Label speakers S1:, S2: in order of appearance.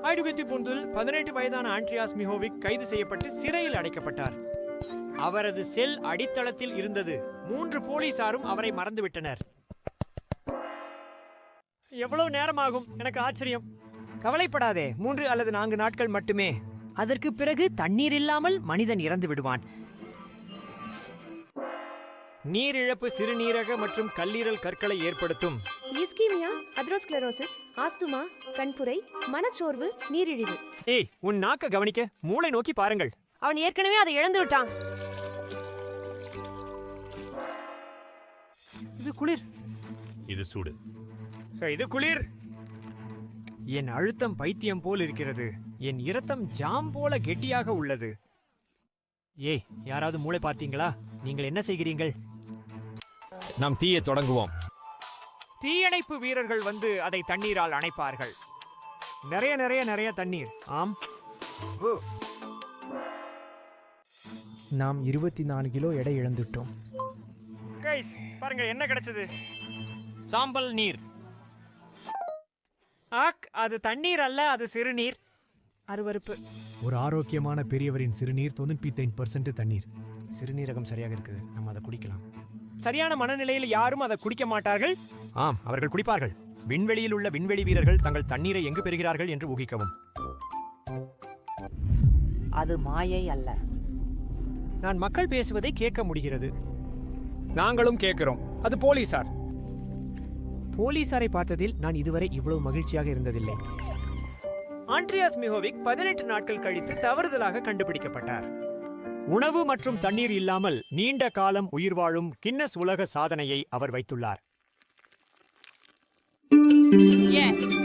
S1: ஐடுகெத்தி 18 வயதான ஆண்ட்ரியாஸ் மிஹோவிக் கைது செய்யப்பட்டு சிறையில் அடைக்கப்பட்டார். அவரது செல் அடித்தளத்தில் இருந்தது. 3 போலீசாரும் அவரை மறந்துவிட்டனர். எவ்வளவு நேரமாகும்? எனக்கு ஆச்சரியம். கவலைப்படாதே, 3 அல்லது 4 நாட்கள் மட்டுமே. அதற்கு பிறகு தண்ணீர் இல்லாமல் மனிதன் இறந்து விடுவான். நீரிழப்பு சிறுநீரக மற்றும் கல்லீரல் கற்களை ஏற்படுத்தும்.
S2: இஸ்கீமியா, அத்ரோஸ்க்ளரோசிஸ், ஆஸ்துமா, கண்புரை, மனச்சோர்வு, நீரிழிவு.
S1: ஏய், உன் நாக்க கவனிக்க, மூளை நோக்கி பாருங்கள்.
S2: அவன் ஏற்கனவே அதை இழந்து விட்டான்.
S1: இது குளிர்.
S3: இது சூடு.
S1: இது குளிர். என் அழுத்தம் பைத்தியம் போல் இருக்கிறது. என் இரத்தம் ஜாம் போல கெட்டியாக உள்ளது. ஏய், யாராவது மூளை பார்த்தீங்களா? நீங்கள் என்ன செய்கிறீர்கள்?
S3: நாம் தீயை தொடங்குவோம்.
S1: தீயணைப்பு வீரர்கள் வந்து அதை தண்ணீரால் அணைப்பார்கள். நிறைய நிறைய நிறைய தண்ணீர். ஆம். நாம் 24 கிலோ எடை இழந்துட்டோம். கைஸ், பாருங்க என்ன கிடைச்சது. சாம்பல் நீர். அது தண்ணீர் அல்ல, அது சிறுநீர். அருவருப்பு. ஒரு ஆரோக்கியமான பெரியவரின் சிறுநீர் 95% தண்ணீர். சிறுநீரகம் சரியாக இருக்குது, நம்ம அதை குடிக்கலாம். சரியான மனநிலையில் யாரும் அதை குடிக்க மாட்டார்கள். ஆம், அவர்கள் குடிப்பார்கள். விண்வெளியில் உள்ள விண்வெளி வீரர்கள் தங்கள் தண்ணீரை எங்கு பெறுகிறார்கள் என்று ஊகிக்கவும்.
S2: அது மாயை அல்ல.
S1: நான் மக்கள் பேசுவதை கேட்க முடிகிறது. நாங்களும் கேட்கிறோம். அது போலீசார். போலீசாரை பார்த்ததில் நான் இதுவரை இவ்வளவு மகிழ்ச்சியாக இருந்ததில்லை. ஆண்ட்ரியாஸ் மிஹோவிக் 18 நாட்கள் கழித்து தவறுதலாக கண்டுபிடிக்கப்பட்டார். உணவு மற்றும் தண்ணீர் இல்லாமல் நீண்ட காலம் உயிர் வாழும் கின்னஸ் உலக சாதனையை அவர் வைத்துள்ளார்.